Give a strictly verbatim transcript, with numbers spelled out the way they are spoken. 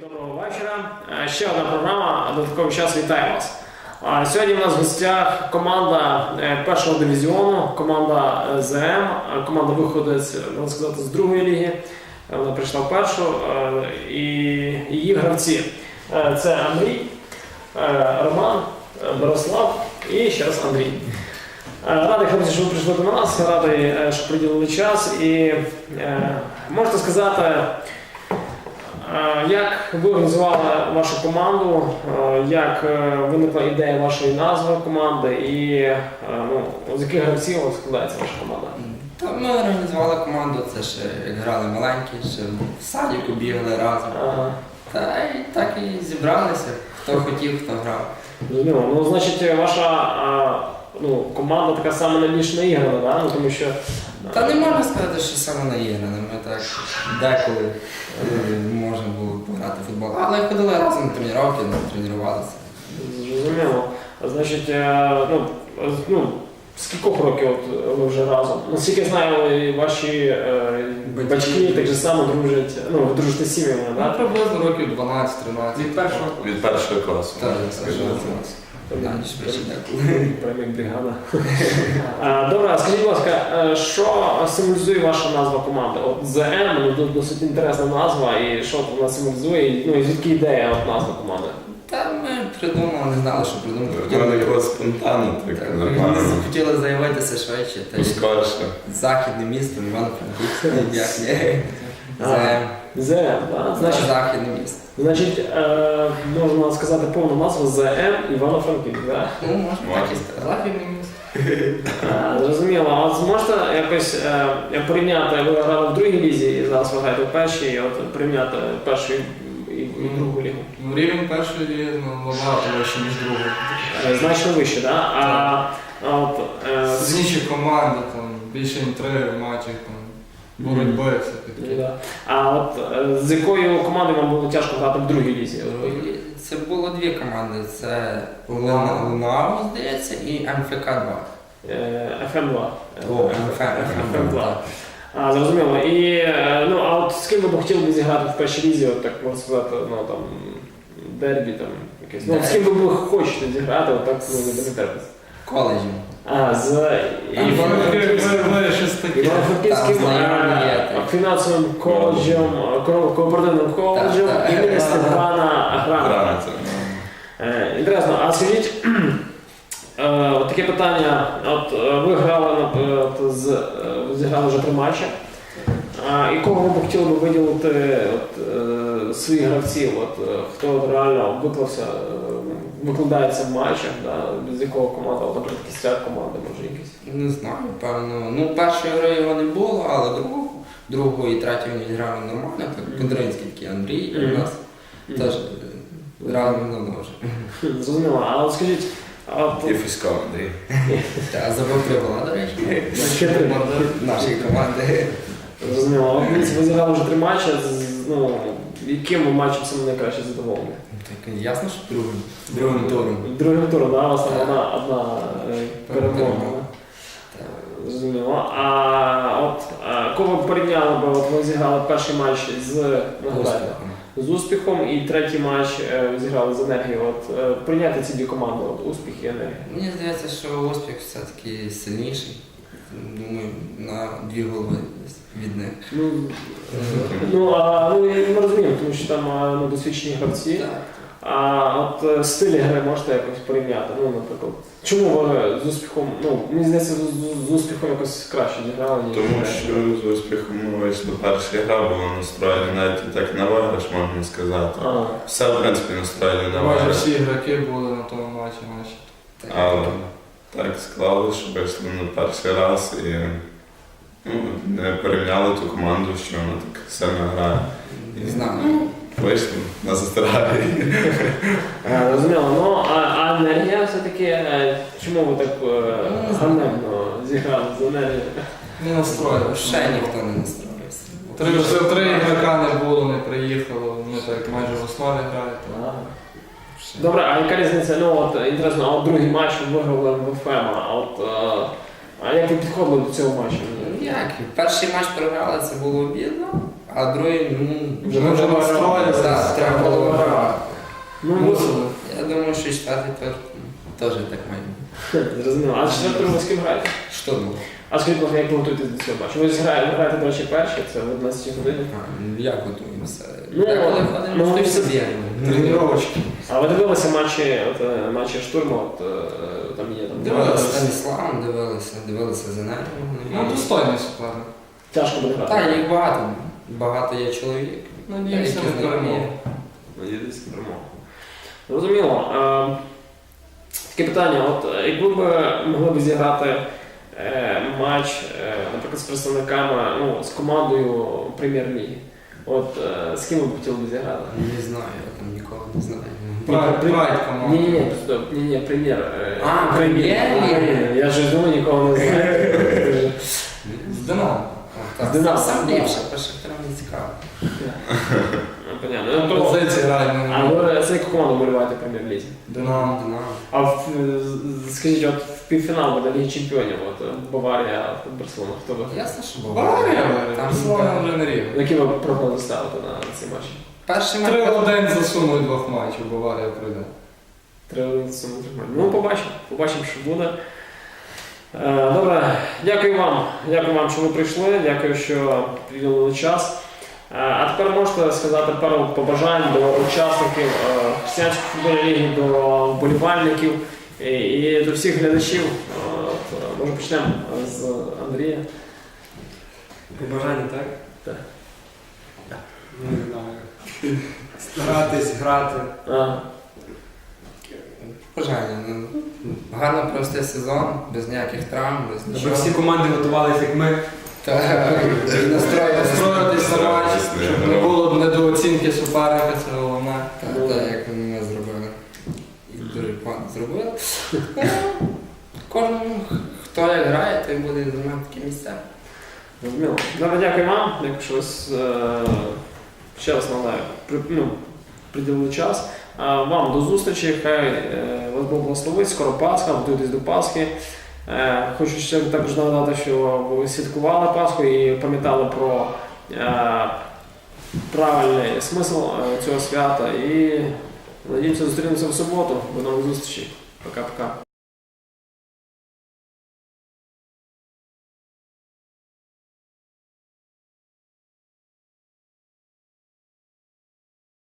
Доброго вечора. Ще одна програма «Додатковий час». Вітаю вас. Сьогодні у нас в гостях команда першого дивізіону, команда ЗМ. Команда виходить, можна сказати, з другої ліги. Вона прийшла в першу. І її гравці – це Андрій, Роман, Борислав і ще раз Андрій. Радий, хлопці, що ви прийшли до нас, радий, що приділили час. І можете сказати, як ви організували вашу команду, як виникла ідея вашої назви команди і ну, з яких гравців складається ваша команда? Та ми організували команду, це ще як грали маленькі, ще в садіку бігали разом. Ага. Та і так і зібралися, хто хотів, хто грав. Ну, ну значить, ваша ну, команда така саме найбільш наіграна, да? Ну, тому що... Та не можна сказати, що саме наіграна, ми так деколи можна було пограти в футбол, але ходили разом на тренування, тренувалися. Зрозуміло. Значить, ну, ну, з кількох років от ви вже разом? Наскільки я знаю, ваші е, батьки, батьки так же само дружать, ну, ви дружите з сім'ями, так? Ну, приблизно років дванадцять-тринадцять. Від першого, від першого класу. Так, скажімо. Прям як бригада. Добре, скажіть, будь ласка, що символізує ваша назва команди? От ЗМ, ну, досить інтересна назва, і що вона символізує, ну і звідки ідея от назва команди? Та ми придумали, не знали, що придумати. Хотіли якогось спонтанно, так нормально. Хотіли заявитися швидше. Скорше. Західне місто, Івано-Франківськ, як не. ЗМ. ЗМ, так? Значить, західне місто. Значить, е, можна сказати повну назву ЗМ Івано-Франківськ, так? Ну, можна так і сказати. Західне місто. Зрозуміло. А от зможете якось е, порівняти, ви грали в другій лізі і зараз ви граєте в першій, і от порівняти першу і, і другу лігу? Ну, рівень першої ліги ну, набагато вище, ніж другої. Значно вище, так? А, а от... Е, Сильніші команди, там, більше інтриги в матчах, там, боротьби, все таке. Да. А от е, з якою командою вам було тяжко грати в другій лізі? Це було дві команди. Це Лунао, здається, і ем еф ка два. еф ем два. О, еф ем два. А, зрозуміло. І, ну, а от з ким ви б хотіли б зіграти в першій лізі, от так можна сказати, ну, там, дербі, там, якесь. Ну, з ким ви хочете зіграти, от так, ну, не дербі. Коледжем. А, з Івано-Франківським фінансовим коледжем, кооперативним коледжем імені Степана Граната. Інтересно, а скажіть, от таке питання, от ви грали, от, з, зіграли вже три матчі, і кого ви б хотіли б виділити от, своїх гравців, от, хто реально виклався, викладається в матчах, да, з якого команда, от, наприклад, кістяк команди, може якісь? Не знаю, певно. Ну, першої гри його не було, але другого, другого і третього він грав нормально, так, Кудринський такий Андрій, mm-hmm. у нас mm-hmm. теж разом давно вже. Зрозуміло, а от скажіть, от... І Фісько Андрій. Так, забив три гола, до речі. Ще три нашої команди. Зрозуміло, а ви зіграли вже три матчі, ну, яким матчем саме найкраще задоволені? Так, ясно, що другим. Другим туром. Другим туром, так? У вас там одна, одна перемога. Зрозуміло. А от кого б порівняли б, от ви зіграли перший матч з, нагадайте, з успіхом, і третій матч ви зіграли з енергією. От прийняти ці дві команди, от успіх і енергія. Мені здається, що успіх все-таки сильніший. Думаю, на дві голови від них. Ну, ну, а, ну я не розумію, тому що там ну, досвідчені гравці. Так. А от стилі гри можете якось порівняти? Ну, наприклад, чому ви з успіхом, ну, мені здається, з, з успіхом якось краще зіграли, ніж Тому що з успіхом ми вийшли перша гра, була настроєна навіть і так на виграш, можна сказати. А. Все, в принципі, настроєно на Майже виграш. всі ігроки були на тому матчі наші. Але так склалося, що вийшли на перший раз і ну, не порівняли ту команду, що вона так сильно грає. Не знаю. Вийшли на застаралі. Розуміло, ну а, а енергія все-таки, чому ви так е, ганебно зіграли з енергією? Не настроїли. Ще ніхто не настроївся. Три, вже три ігрока не було, не приїхало, ми так майже в основі грають. Ага. Добре, а яка різниця? Ну от інтересно, а от другий матч ви виграли в еф ем, а от а як ви підходили до цього матчу? Як? Перший матч програли, це було обідно, А другий, ну, Вже Ми вже треба настроїлися, так, треба було грати. Ну, Мусили. Я думаю, що четвертий теж, теж так має бути. зрозуміло. А четвертому з ким граєте? Штурмом. А скажіть, будь ласка, як ви готуєтесь до цього матчу? Ви ж граєте, граєте, до речі, перші, це в одинадцятій годині. А, ну, як готуємося? Ну, Деколи ну, ходимо ну, в все- студію. Тренировочки. А ви дивилися матчі, от, е, матчі штурму, от, е, там є там. Дивилися Станіславом, дивилися, дивилися за нею. Ну, достойний суперник. Тяжко буде грати. Так, їх багато. Багато є чоловік. Надіємося Деякі на знайомі. перемогу. Надіятися на перемогу. Зрозуміло. Е, таке питання, от е, якби ви могли б зіграти е, матч, е, наприклад, з представниками, ну, з командою прем'єр-ліги, от е, з ким ви б хотіли б зіграти? Не знаю, я там нікого не знаю. Прайд, При- прайд команда. Ні, ні, ні, ні, ні, прем'єр. е, А, прем'єр-ліги? Я ж думаю, нікого не знаю. З Динамо. Так, З Динамо. Сам ліпше, перше прям не цікаво. Ну, понятно. Ну, то- Позиції грають А на ви за яку команду боліваєте в прем'єр-лізі? Динамо. Динамо. А в, з- скажіть, от в півфінал буде Ліги Чемпіонів, от е, Баварія, от Барселона, хто ви? Ясно, що Баварія, Там Барселона так. вже не рівень. Які ви прогнози ставите на ці матчі? Перший Три матч. в день засунуть двох матчів, Баварія прийде. Три суму Ну, побачимо, побачимо, що буде. Е, Добре, дякую вам. Дякую вам, що ви прийшли. Дякую, що приділили час. Е, А тепер можете сказати пару побажань до учасників е, християнської футбольної ліги, до вболівальників і, і до всіх глядачів. Е, от, е, Може почнемо з Андрія. Побажання, так? Так. Не знаю. Старатись грати. А, Бажання. Ну, гарно провести сезон, без ніяких травм, без Щоб нічого. всі команди готувалися, як ми. Так, і настроїтися. Настроїтись на матч, Ясно, щоб я не грав. було недооцінки суперника, це головне. Так, так, як ми зробили. І дуже погано зробили. Ну, Кожному, хто як грає, той буде займати такі місця. Зрозуміло. Добре, дякую вам. Дякую, що ви е, ще раз нагадаю, при, ну, приділили час. А вам до зустрічі. Хай е, вас Бог благословить. Скоро Пасха, готуйтесь до Пасхи. Е, хочу ще також нагадати, що ви святкували Пасху і пам'ятали про е, правильний смисл е, цього свята. І надіємося, зустрінемося в суботу. До нових зустрічей. Пока-пока.